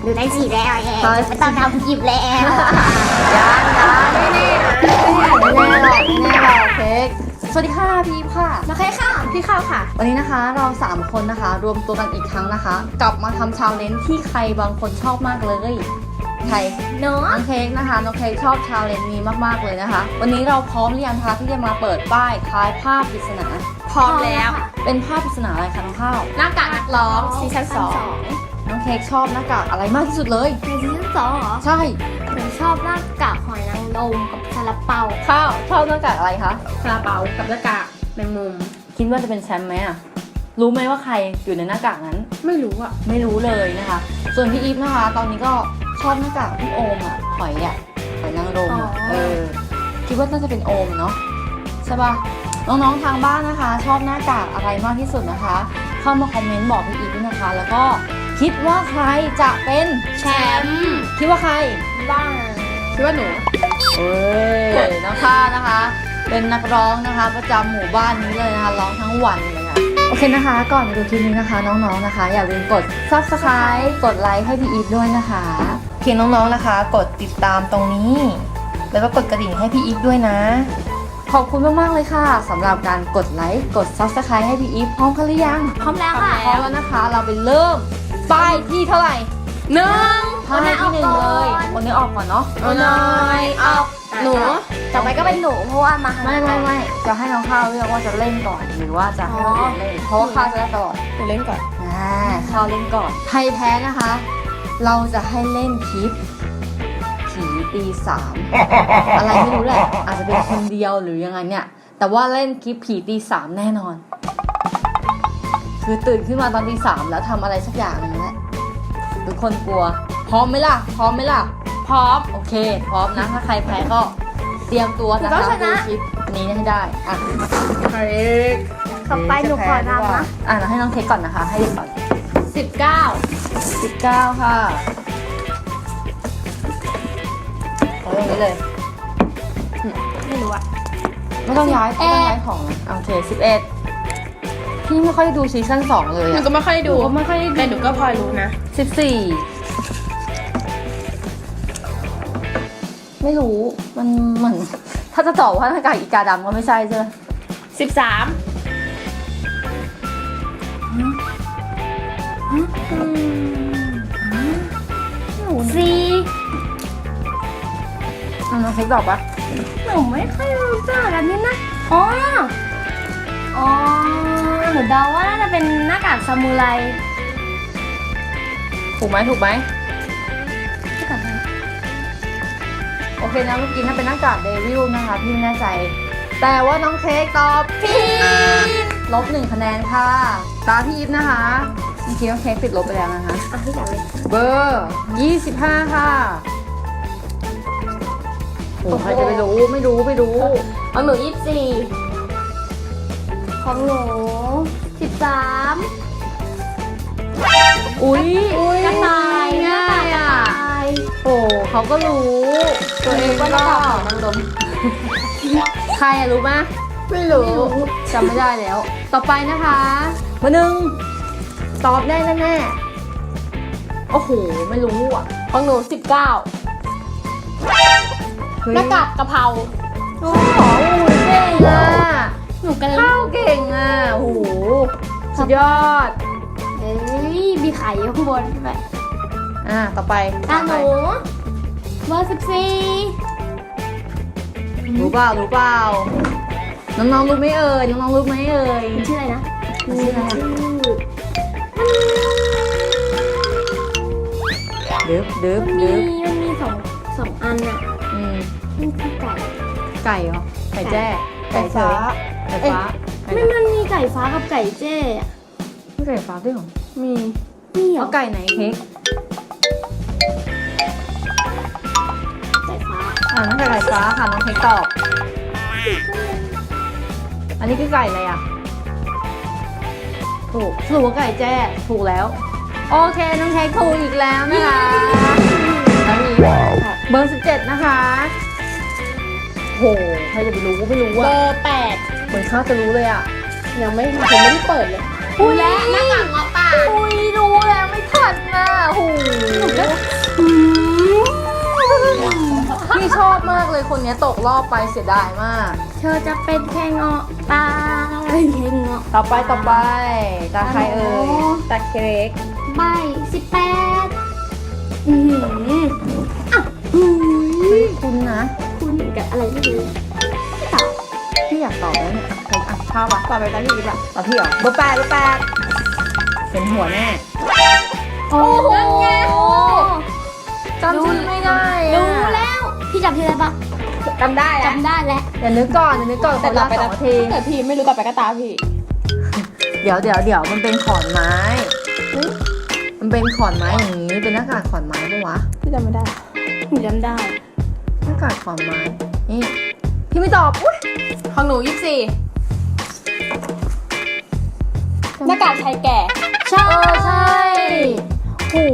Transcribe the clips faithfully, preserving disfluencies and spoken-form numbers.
ดูได้สีแล้วแอนไม่ต้องทำหยิบแล้วยังยังไม่แน่ไม่แน่หรอกไม่แน่หรอกเค้กสวัสดีค่ะพี่ค่ะโอเคค่ะพี่ข้าวค่ะวันนี้นะคะเราสามคนนะคะรวมตัวกันอีกครั้งนะคะ กลับมาทำชาเลนจ์ที่ใครบางคนชอบมากเลยใครเนาะน้องเค้กนะคะน้องเค้กชอบชาเลนจ์นี้มากๆเลยนะคะ วันนี้เราพร้อมหรือยังคะที่จะมาเปิดป้ายทายภาพปริศนาพร้อมแล้วเป็นภาพปริศนาอะไรคะน้องข้าวหน้ากากนักร้องซีซั่นสองน้องเค้กชอบหน้ากากอะไรมากที่สุดเลยในซีซั่นสองเหรอใช่หนูชอบหน้ากากหอยนางรมกับซาลาเปาข้าวชอบหน้ากากอะไรคะซาลาเปากับหน้ากากแมงมุมคิดว่าจะเป็นแชมป์ไหมอะรู้ไหมว่าใครอยู่ในหน้ากากนั้นไม่รู้อ่ะไม่รู้เลยนะคะ ส่วนพี่อีฟนะคะ ตอนนี้ก็ชอบหน้ากากพี่โอมอะหอยอะหอยนางรมอะเออ คิดว่าน่าจะเป็นโอมเนาะใช่ปะน้องๆทางบ้านนะคะ ชอบหน้ากากอะไรมากที่สุดนะคะ เข้ามาคอมเมนต์บอกพี่อีฟด้วยนะคะ แล้วก็คิดว่าใครจะเป็นแชมป์คิดว่าใครบ้างคิดว่าหนูเอ้ยน้องข้านะคะ เป็นนักร้องนะคะ ประจำหมู่บ้านนี้เลยนะคะร้องทั้งวันเลยค่ะโอเคนะคะ ก่อนไปดูคลิปนี้นะคะ น้องๆนะคะ อย่าลืมกด ซับสไครบ์ กดไลค์ให้พี่อีฟด้วยนะคะเพียงน้องๆนะคะ กดติดตามตรงนี้ แล้วก็กดกระดิ่งให้พี่อีฟด้วยนะ ขอบคุณมากๆเลยค่ะสำหรับการกดไลค์กด ซับสไครบ์ ให้พี่อีฟพร้อมกันหรือยังพร้อมแล้วค่ะพร้อมแล้วนะคะ เราไปเริ่มป้ายที่เท่าไหร่หนึ่งป้ายที่หนึ่งเลยวันนี้ออกก่อนเนาะเอาหน่อยเอาหนูต่อไปก็เป็นหนูเพราะว่ามาไม่ไม่ไม่จะให้น้องข้าวเลือกว่าจะเล่นก่อนหรือว่าจะให้น้องอื่นเล่นเพราะว่าข้าวจะได้ตลอดหนูเล่นก่อนอ่าข้าวเล่นก่อนใครแพ้นะคะ เราจะให้เล่นคลิปผีตีสามอะไรไม่รู้แหละอาจจะเป็นคนเดียวหรือยังไงเนี่ยแต่ว่าเล่นคลิปผีตีสามแน่นอน คือตื่นขึ้นมาตอนตีสามแล้วทำอะไรสักอย่างหนึงแหละทุกคนกลัวพร้อมไหมล่ะพร้อมไหมล่ะพร้อมโอเค พร้อมนะ ถ้าใครแพ้ก็เตรียมตัวนะคะดูคลิปนี้ให้ได้ อ่ะเค้กต่อไปหนูขอนำนะอ่ะเราให้น้องเค้กก่อนนะคะ ให้เด็กก่อนสิบเก้าสิบเก้าค่ะเอาตรงนี้เลยไม่รู้อะไม่ต้องย้ายไม่ต้องย้ายของนะโอเคสิบเอ็ดพี่ไม่ค่อยดูซีซั่นสองเลยหนูอะก็ไม่ค่อยดูหนูก็ไม่ค่อยได้ดูแต่หนูก็พอรู้นะสิบสี่ไม่รู้ มันเหมือน ถ้าจะตอบว่าหน้ากากอีกาดำก็ไม่ใช่ใช่ไหมสิบสามสี่อ่ะน้องเค้กตอบปะหนูไม่ค่อยรู้จักอันนี้นะอ๋ออ๋อหนูเดาว่าน่าจะเป็นหน้ากากซามูไรถูกไหมถูกไหมหน้ากากอะไรโอเคนะเมื่อกี้ถ้าเป็นหน้ากากเดวิลนะคะ พี่ไม่แน่ใจ แต่ว่าน้องเค้กตอบผิดลบหนึ่งคะแนนค่ะตาพี่อีฟนะคะเมื่อกี้น้องเค้กติดลบไปแล้วนะคะอ่ะพี่จับเลยเบอร์ยี่สิบห้าค่ะโอ้ใครจะไปรู้ไม่รู้ไม่รู้เอาหนูยี่สิบสี่ของหนูสิบสามอุ้ยกระต่ายง่ายกระอ่ะต่ายโอ้เขาก็รู้ ตัวเองก็นางรมใครอะรู้ไหมไม่รู้จำไม่ได้แล้ว ต่อไปนะคะเบอร์หนึ่งตอบได้แน่ๆโอ้โหไม่รู้อ่ะของหนูสิบเก้าเฮ้ยหน้ากากกะเพราโอ้โหเก่งอ่ะหนูกันเข้าเก่งอ่ะโอ้โหสุดยอดเอ้ยมีไข่อยู่ข้างบนใช่ไหมอ่ะต่อไปตาหนูเบอร์สิบสี่รู้เปล่ารู้เปล่าน้องๆรู้ไหมเอ่ยน้องๆรู้ไหมเอ่ยมันชื่ออะไรนะมันชื่ออะไรอะ ดึบดึบมันมีดึบมันมีสองสองอันอะอืมมันคือไก่ไก่เหรอไก่แจ้ไก่เฉยไก่ฟ้าไก่ไม่ดำมันมีไก่ฟ้ากับไก่เจ้อะไม่ไก่ฟ้าด้วยเหรอมีมีเหรอเอาไก่ไหนเค้กไก่ฟ้าอ่าน้องไก่ไก่ฟ้าค่ะน้องเค้กตอบ อันนี้คือไก่อะไรอ่ะ ถูกสรุปว่าไก่แจ้ถูกแล้ว โอเคน้องเค้กถูกอีกแล้วนะคะแล้วมีเบอร์สิบเจ็ดนะคะโหใครจะไปรู้ไม่รู้เบอ่ะอร์แปดเหมือนข้าจะรู้เลยอ่ะยังไม่ยังไม่ได้เปิดเลยอุ้ยแล้วหน้ากากเงาะป่าอุ้ยรู้แล้วไม่ทันนะโหหนูก็ากเลยคนเนี้ยตกรอบไปเสียดายมากเธอจะเป็นแค่เงาะตายแค่เงาะต่อไปต่อไปตาใครเอ่ยตะเค้กใบสิบแปดอือหืออ่ะอือเฮ้ยคุณนะคุณกับอะไรไม่รู้ตอบพี่อยากตอบแล้วเนี่ยเฮ้ยอ่ะข้าวปะต่อไปตาพี่อีกอะตอบพี่เหรอเบอร์แปดเบอร์แปดเป็นหัวแน่โอ้โหจำชื่อไม่ได้อะรู้แล้ว พี่จับที่อะไรปะจำได้แล้วจำได้แล้วเดี๋ยวนึกก่อนเดี๋ยวนึกก่อนคแต่นต่อละไปสอตางนาทีแต่พี่ไม่รู้ต่อไปก็ตาพี่เดี๋ยวเดี๋ยวเดี๋ยวมันเป็นขอนไม้เฮ้ยมันเป็นขอนไม้อย่างนี้เป็นหน้ากากขอนไม้ปะวะพี่จำไม่ได้หนูจำได้หน้ากากขอนไม้นี่พี่ไม่ตอบอุ้ยของหนูยี่สิบสี่หน้ากากชายแก่ใช่เออใช่โห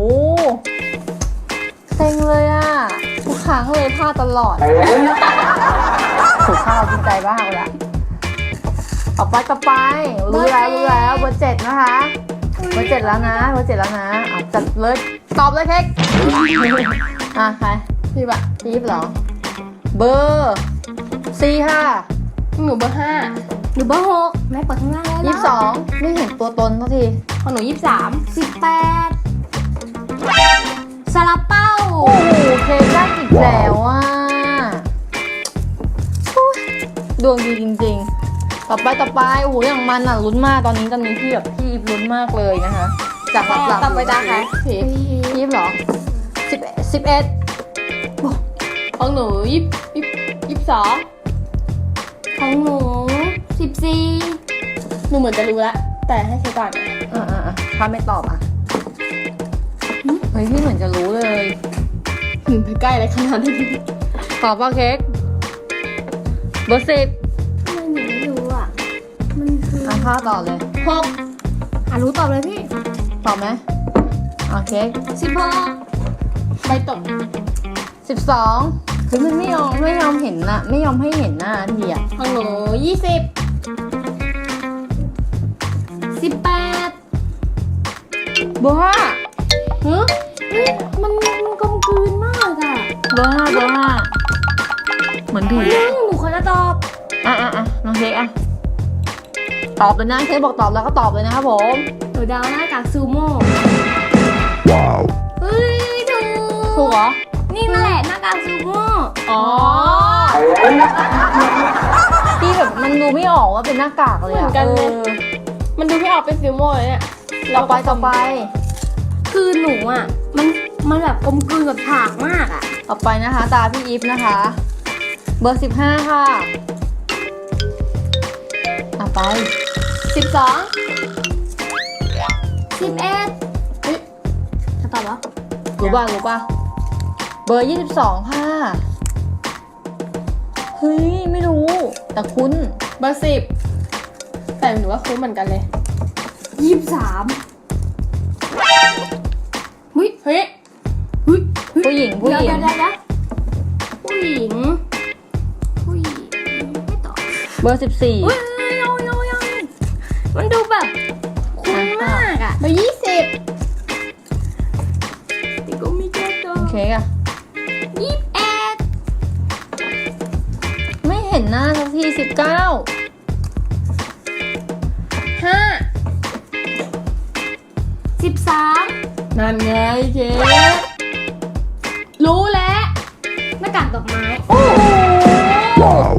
เซ็งเลยอะทุกครั้งเลยพลาดตลอดถูกข้าวกินใจบ้างเลยอะต่อไปต่อไปรู้แล้วรู้แล้วเบอร์เจ็ดนะคะเบอร์เจ็ดแล้วนะเบอร์เจ็ดแล้วนะอ่ะจัดเลยตอบเลยเค้กอ่ะใครพี่ปะพีฟเหรอ เบอร์สี่ค่ะหนูเบอร์ห้าหนูเบอร์หกแม่เปิดข้างล่างแล้วยี่สิบสองไม่เห็นตัวตนเท่าทีของหนูยี่สิบสามสิบแปดซาลาเป้าโอ้โหเค้กได้อีกแล้วอ่ะโอ้ยดวงดีจริงๆ ต่อไปต่อไปโอ้โหอย่างมันอ่ะลุ้นมากตอนนี้ตอนนี้พี่แบบพี่อีฟลุ้นมากเลยนะคะจากหลับหลับต่อไปตาใครพี่พีฟเหรอสิบสิบเอ็ดของหนูยี่สิบยี่สิบสองของหนูสิบสี่หนูเหมือนจะรู้แล้วแต่ให้ใช้ก่อนอ่าอ่าถ้าไม่ตอบอ่ะเฮ้ยพี่เหมือนจะรู้เลยหนูไปใกล้อะไรขนาดนี้ตอบว่าเค้กเบอร์สิบทำไมหนูไม่รู้อ่ะ มันคืออ่ะข้าตอบเลยหกอ่ะรู้ตอบเลยพี่ตอบไหมโอเคสิบหกใบตกสิบสองคือมันไม่ยอมไม่ยอมเห็นนะไม่ยอมให้เห็นหน้าทีอ่ะของหนูยี่สิบสิบแปดเบอร์ห้าฮึเฮ้ยมันมันกลมกลืนมากอ่ะเบอร์ห้าเบอร์ห้าเหมือนผีหนึ่งหนูขอจะตอบอ่ะอ่ะอ่ะน้องเค้กอ่ะตอบเลยนะเค้กบอกตอบแล้วก็ตอบเลยนะครับผมหนูเดาหน้ากากซูโม่ Wow. เฮ้ยถูกถูกเหรอนี่นั่นแหละหน้ากากซูโม่อ๋อที่แบบมันดูไม่ออกว่าเป็นหน้ากากเลยเหมือ่ะอนกันเลยออมันดูพี่ออกเป็นฟิลโม่เลยเนี่ยต่อไปต่อไปคือหนูอ่ะ มันมันแบบกลมกลืนกับฉากมากอ่ะต่อไปนะคะ ตาพี่อีฟนะคะ เบอร์สิบห้าค่ะอ่ะไปสิบสองสิบเอ็ดเฮ้ยจะตอบวะรู้ป่ะรู้ป่ะเบอร์ยี่สิบสองค่ะเฮ้ยไม่รู้ แต่คุ้นเบอร์สิบแต่หนูว่าคุ้นเหมือนกันเลยยี่สิบสามเฮ้ยเฮ้ยเฮ้ยเฮ้ยผู้หญิงผู้หญิงเดี๋ยวเดี๋ยวเดี๋ยวผู้หญิง ผู้หญิงไม่ตอบเบอร์สิบสี่เฮ้ยโยโยโยมันดูแบบคุ้นมากอ่ะเบอร์ยี่สิบแต่ก็ไม่แก้ตัวโอเคอะยี่สิบเอ็ดไม่เห็นหน้าสักทีสิบเก้าห้าสิบสามนั่นไงเจ๊รู้แล้วหน้ากากดอกไม้ Wow.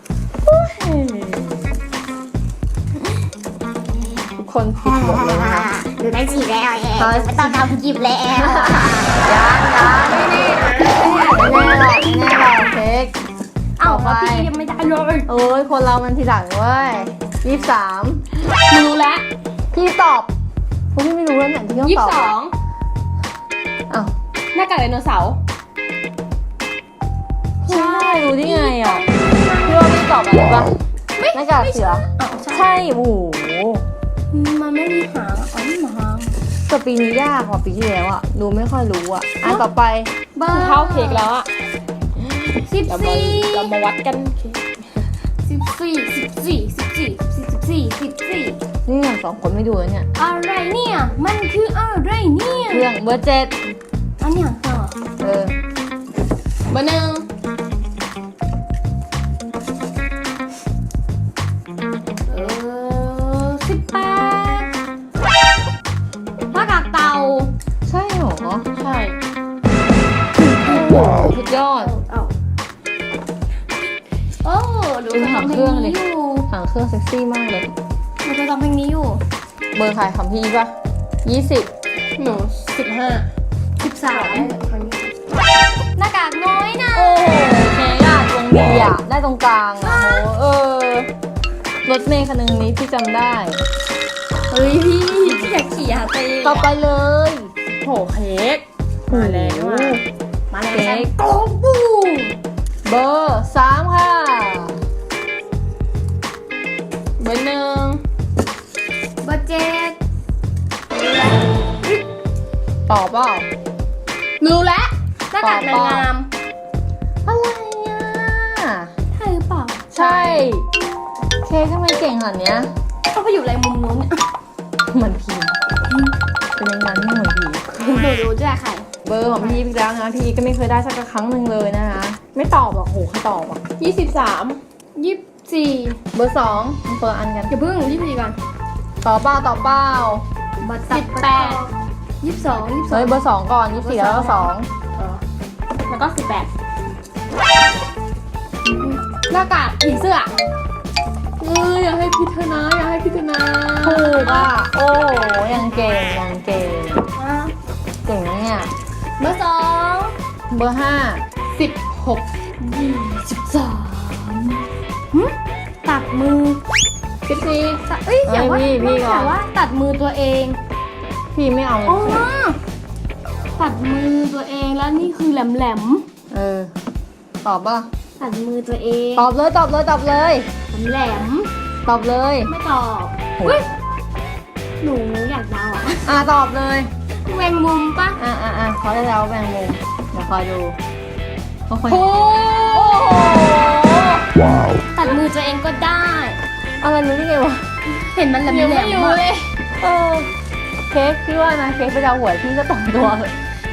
ทุกคนผิดหมดเลยนะคะดูได้จีบแล้วเองเฮ้ยไม่ต้องทำจีบแล้วยังยังไม่แน่ไม่แน่หรอกไม่แน่หรอกเค้กเอ้าต่อไปพี่ยังไม่ได้เลยโอ้ยคนเรามันทีหลังเว้ยยี่สิบสามรู้แล้วพี่ตอบพวกพี่ไม่รู้แล้วเนี่ยที่ต้องยี่สิตอบบ สองอ้าวหน้ากากไดโนเสาร์ใช่รู้ได้ไงอ่ะพี่ว่าพี่ตอบอะไรปะหน้ากากเสืออ้าวใช่ใช่โอ้โหมันไม่มีหางอ๋อนี่หมาหางแต่ปีนี้ยากกว่าปีที่แล้วอ่ะดูไม่ค่อยรู้อ่ะอ่ะต่อไปเบอร์เท่าเค้กแล้วอะสิบเรามาสี่เรามาวัดกันเค้กสิบสี่สิบสี่สิบสี่สิบสี่สิบสี่นี่อย่างสองคนไม่ดูแล้วเนี่ยอะไรเนี่ย มันคืออะไรเนี่ยเครื่องเบอร์เจ็ดอันเนี้ยเหรอเออเบอร์หนึ่งยอดเอาโอ้ดูดูเคยหางทำเพเคลรื่องงดินี้อยู่หางเครื่องเซ็กซี่มากเลยดูเคยทำเพลงนี้อยู่เบอร์ใครคำพี่ป่ะยี่สิบหนูสิบห้าสิบสามหน้ากากน้อยนะโอ้โหเค้กอะวงดีอะได้ตรงกลางอะโหเออรถเมย์คันหนึงนี้พี่จำได้เฮ้ยพี่พี่อยากขี่หาตีต่อไปเลยโหเค้กมาแล้วโอ้อะโหมาแล้วเค้กโอ้โหเบอร์สามค่ะเบอร์หนึ่งเบอร์เจ็ดตอบเปล่ารู้แล้วหน้ากากนางงามอะไรอ่ะใช่หรือเปล่าใช่ เค้กทำไมเก่งขนาดเนี้ยเขาไปอยู่อะไรมุมนู้นเนี่ยเหมือนผีเป็นอย่างนั้นไม่เหมือนผีหนูรู้ด้วยใครเบอร์ของพี่อีกแล้วนะพี่ก็ไม่เคยได้สักครั้งหนึ่งเลยนะคะไม่ตอบหรอกโหใครตอบอ่ะยี่สิบสามยี่สิบสี่เบอร์สองเบอร์อันกันอย่าเพิ่งยี่สิบสี่ก่อนต่อเป้าต่อเป้าบัตรสิบแปดยี่สิบสองยี่สิบสอเฮ้งยเบอร์สองก่อนยี่สิบสี่แล้วก็สองแล้วก็สิบแปดหน้ากากผีเสื้อเอออยากให้พิจารณาอยากให้พิจารณาถูกอ่ะโอ้โหยังเก่งยังเก่งเก่งนะเนี่ยเบอร์สองเบอร์ห้าสิบหกยี่สิบสามหึตัดมือสิบสี่ตัดเอ้ยอย่าว่าพี่พี่ก่อแต่นว่าตัดมือตัวเองพี่ไม่เอาอ๋อตัดมือตัวเองแล้วนี่คือแหลมแหลมเออตอบป่ะๆตัดมือตัวเองตอบเลยตอบเลยตอบเลยแหลมแหลมตอบเลยๆไม่ตอบโหเฮ้ยหนูอยากเดาอ่ะอ่ะตอบเลยแมงมุมปะอ่ะอ่ะอ่ะเขาได้แล้วแบ่งมุมเดี๋ยวคอยดูเขาคนโอ้โอ้โห Wow. ตัดมือตัวเองก็ได้อะไรรู้ได้ไงวะเห็นมันแหลมยังแหลไม่มรู้เลยเออเค้กพี่ว่านะเค้กไปดาวหวยพี่ก็ตรงตัวเลย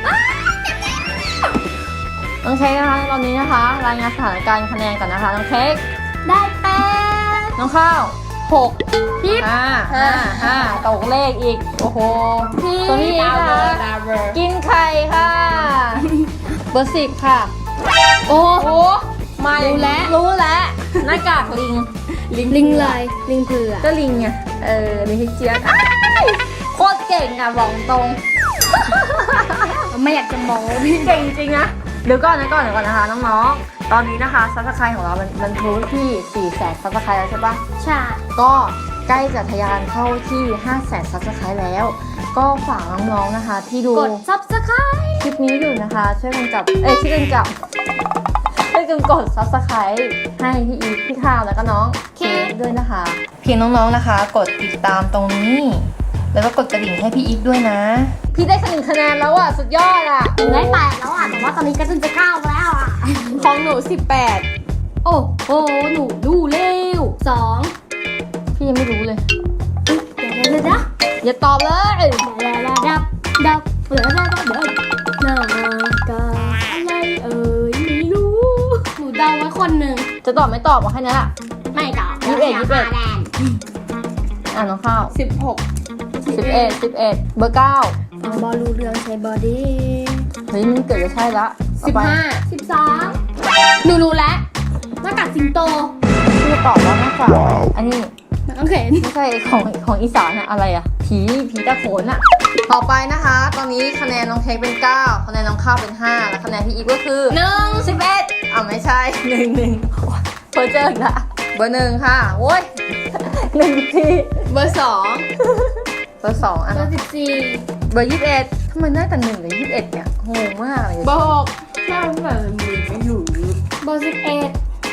น้องเค้กนะคะตอนนี้นะคะ รายงานสถานการณ์คะแนนก่อนนะคะน้องเค้กได้แปดน้องข้าวหกพี่ห้าห้าห้าตกเลขอีกโอ้โหพี่ตัวนี้ดาวนะเบอคะร์ดาวเบอร์กินไข่ค่ะ เบอร์สิบค่ะโอ้โอ้มารู้แล้วรู้แล้วหน้ากากลิงลิงเลยลิงเผือกก็ลิงไงเออลิงฮิเจียนอ้ายโคตรเก่งอ่ะบอกตรงไม่อยากจะมองพี่เก่งจริงนะเดี๋ยวก่อนนะก่อนเดี๋ยวก่อนนะคะน้องๆ ตอนนี้นะคะซับสไครต์ของเรามันมันทะลุที่สี่แสนซับสไครต์แล้วใช่ปะใช่ก็ใกล้จะทะยานเข้าที่ห้าแสนซับสไครต์แล้ว ก็ฝากน้องๆนะคะ ที่ดูกด subscribe คลิปนี้อยู่นะคะ ช่วยกันจับเอ้ยช่วยกันจับช่วยกันกดซับสไครต์ให้พี่อีฟพี่ข้าวแล้วก็น้องเคกด้วยนะคะ เพียงน้องๆนะคะ กดติดตามตรงนี้ แล้วก็กดกระดิ่งให้พี่อีฟด้วยนะ พี่ได้คะแนนคะแนนแล้วอ่ะสุดยอดอ่ะหนูได้แปดแล้วอ่ะแต่ว่าตอนนี้ก็จะเก้าแล้วอ่ะของหนูสิบแปดโอ้โหหนูดูเร็วสองพี่ยังไม่รู้เลยเดี๋ยวเดี๋ยวเดี๋ยวอย่าตอบเลยเดี๋ยวเดี๋ยวดับดับเดี๋ยวเดี๋ยวเดี๋ยวหน้ากากอะไรเอ่ยไม่รู้หนูเดาไว้คนหนึ่งจะตอบไม่ตอบมาแค่นี้แหละไม่ตอบยี่สิบเอ็ดยี่สิบเอ็ดแดนอ่ะน้องข้าวสิบหกสิบเอ็ดสิบเอ็ดเบอร์เก้าเอาบอลรู้เรื่องใช้บอดี้เฮ้ยมันเกิดจะใช่ละสิบห้าสิบสามหนูรู้แล้วหน้ากากสิงโตพี่จะตอบว่าหน้ากากว้าวอันนี้น้องเข็นไม่ใช่ของของอีสานอะอะไรอะผีผีตะโขนอะต่อไปนะคะ ตอนนี้คะแนนน้องเค้กเป็นเก้าคะแนนน้องข้าวเป็นห้าและคะแนนพี่อีฟก็คือหนึ่งสิบเอ็ดอ่ะไม่ใช่หนึ่งหนึ่งเพอเจออีกละเบอร์หนึ่งค่ะโว้ยหนึ่งทีเบอร์สองเบอร์สองอ่ะเบอร์สิบสี่เบอร์ยี่สิบเอ็ดทำไมได้แต่หนึ่งหรือยี่สิบเอ็ดเนี่ยงงมากเลยเบอร์หกแค่แบบมือไม่อยู่เบอร์สิบเอ็ด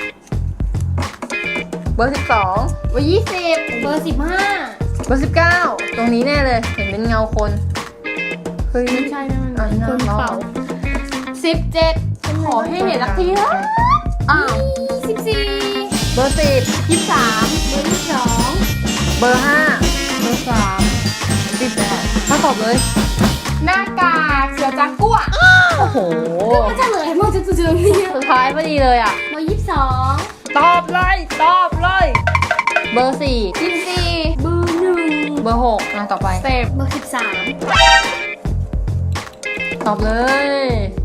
เบอร์สิบสองเบอร์ยี่สิบเบอร์สิบห้าเบอร์สิบเก้าตรงนี้แน่เลยเห็นเป็นเงาคนเฮ้ยไม่ใช่นะมันอ่ะคนน้องเป่าสิบเจ็ดขอให้เห็นสักทีเถอะอ้าวสิบสี่เบอร์สิบยี่สิบสามเบอร์ยี่สิบสองเบอร์ห้าเบอร์สามสิบแปดถ้าตอบเลยหน้ากากเสือจากกัวโอ้โหก็จะเลยมันจะเจอเนี่ยสุดท้ายพอดีเลยอ่ะเบอร์ยี่สิบสองตอบเลยตอบเลยเบอร์สี่ยี่สิบสี่เบอร์หนึ่งเบอร์หกอ่ะต่อไปเต็มเบอร์สิบสามตอบเลย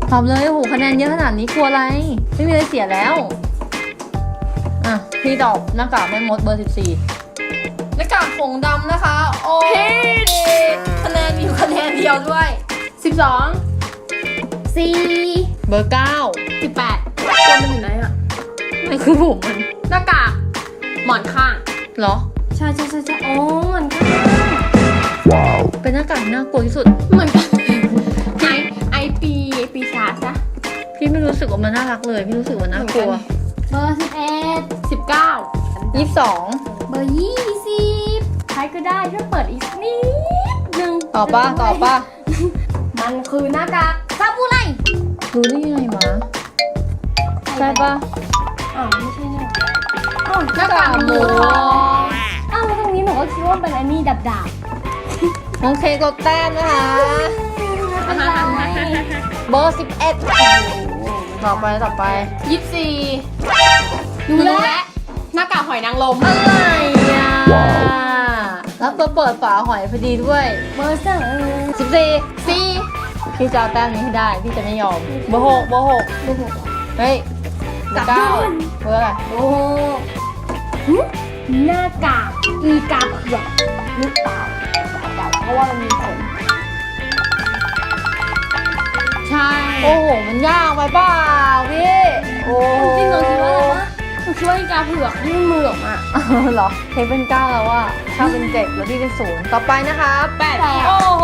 ตอบเลยโอ้โหคะแนนเยอะขนาดนี้กลัวอะไร ไม่มีอะไรเสียแล้วอ่ะพี่ตอบหน้ากากแม่มดเบอร์สิบสี่หน้ากากผงดำนะคะโอ้คะแนนมีอยู่คะแนนเดียวด้วยสิบสองสี่เบอร์เก้าสิบแปดตัวมันอยู่ไหนอะนั่นคือผมมันหน้ากากหมอนข้างเหรอใช่ใช่ใช่ใช่อ๋อเหมือนกัน Wow. เป็นหน้ากากที่น่ากลัวที่สุดเหมือนกัน ไอไอปีปีชาจ้ะพี่ไม่รู้สึกว่ามันน่ารักเลย พี่รู้สึกว่าน่ากลัวเบอร์สิบเอ็ดสิบเก้ายี่สิบสองเบอร์ยี่สิบใครก็ได้ช่วยเปิดอีกนิดนึงตอบป่ะตอบป่ะมันคือหน้ากากซาบูไรรู้ได้ยังไงวะใช่ป่ะอ้าวไม่ใช่เนี่ยอ้าวหน้ากากหมูทองอ้าวแล้วตรงนี้หนูก็คิดว่าเป็นอันนี้ดับดาบน้องเคกดแต้มนะคะไม่เป็นไรเบอร์สิบเอ็ดต่อไปต่อไปยี่สิบสี่รู้แล้วหน้ากากหอยนางรมอะไรอ่ะว้าวแล้วตัวเปิดฝาหอยพอดีด้วยเบอร์สามสิบสี่สี่พี่จะเอาแต้มนี้ให้ได้ พี่จะไม่ยอม เบอร์หกเบอร์หกเบอร์หกเฮ้ยเบอร์เก้าเบอร์อะไรโอ้โหหึหน้ากากอีกาเผือกหรือเปล่าเดาๆเพราะว่ามันมีขนใช่โอ้โห มันยากไปเปล่าพี่ โอ้จริงๆหนูคิดว่าอะไรวะหนูคิดว่าอีกาเผือกที่มันมือออกมาเหรอเทปเป็นเก้าแล้วว่าถ้าเป็นเจ็ดแล้วพี่เป็นศูนย์ต่อไปนะคะแปดแปดโอ้โห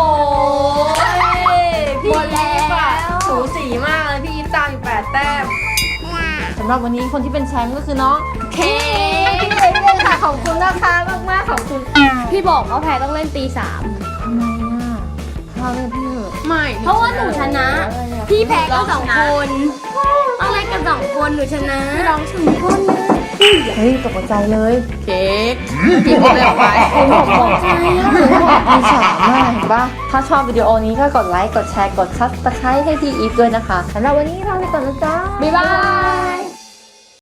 พี่หมดแล้วอีฟอะสูสีมากเลยพี่อีฟตามอยู่แปดแต้มสำหรับวันนี้คนที่เป็นแชมป์ก็คือน้องเคพี่เล็กค่ะขอบคุณนะคะมากมากๆขอบคุณพี่บอกว่าแพ้ต้องเล่นตีสามทำไมอ่ะข้าวเล่นพี่เหอะไม่เพราะว่าหนูชนะ พี่แพ้ก็สองคนต้องเล่นกันสองคนหนูชนะร้องถึงคนเลยเฮ้ยตกใจเลยเค้กพี่พูดเลยออกไปผมบอกตกใจอ่ะมีฉากมากเห็นปะถ้าชอบวิดีโอนี้ก็กดไลค์กดแชร์กดซับสไครต์ให้พี่อีฟด้วยนะคะสำหรับวันนี้ลาไปก่อนนะจ๊ะบ๊ายบาย